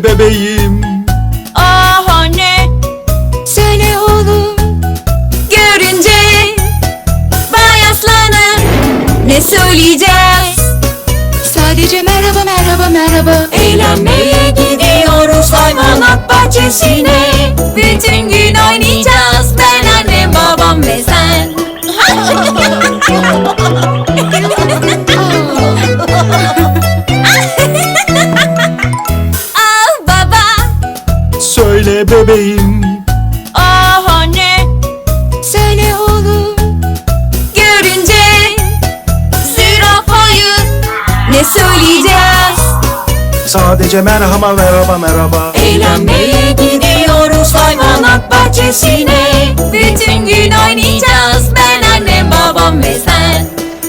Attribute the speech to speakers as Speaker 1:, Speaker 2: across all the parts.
Speaker 1: Söyle bebeğim.
Speaker 2: Ah anne, söyle oğlum. Görünce Bay Aslan'ı ne söyleyeceğiz? Sadece merhaba merhaba merhaba. Eğlenmeye gidiyoruz hayvanat bahçesine. Bütün gün oynayacağız ben, annem, babam ve sen. Ah baba,
Speaker 1: Söyle bebeğim.
Speaker 2: ah anne, söyle oğlum. Görünce zürafayı ne söyleyeceğiz?
Speaker 1: Sadece merhaba merhaba merhaba.
Speaker 2: Eğlenmeye gidiyoruz hayvanat bahçesine. Bütün gün oynayacağız ben, annem, babam ve sen.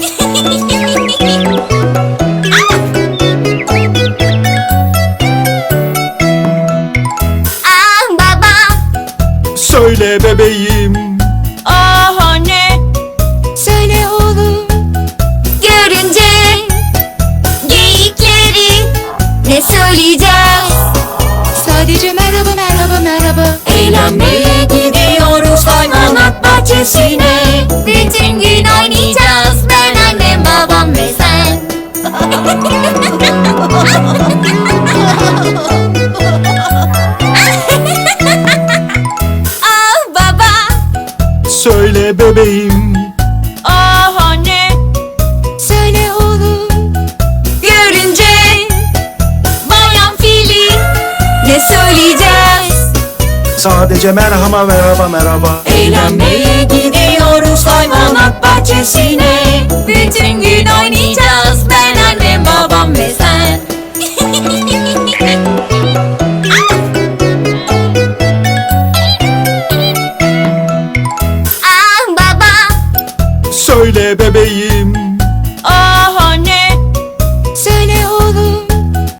Speaker 2: Ah baba,
Speaker 1: Söyle bebeğim.
Speaker 2: ah anne, söyle oğlum. Görünce geyikleri ne söyleyeceğiz? Sadece merhaba merhaba merhaba. Eğlenmeye gidiyoruz hayvanat bahçesine. Bütün gün oynayacağız ben, annem, babam ve sen. Ah baba,
Speaker 1: Söyle bebeğim.
Speaker 2: ah anne, söyle oğlum. Görünce bayan fili ne söyleyeceğiz?
Speaker 1: Sadece merhaba merhaba merhaba.
Speaker 2: Eğlenmeye gidiyoruz hayvanat bahçesine. Bütün gün oynayacağız ben, annem, babam ve sen. Ah baba,
Speaker 1: Söyle bebeğim.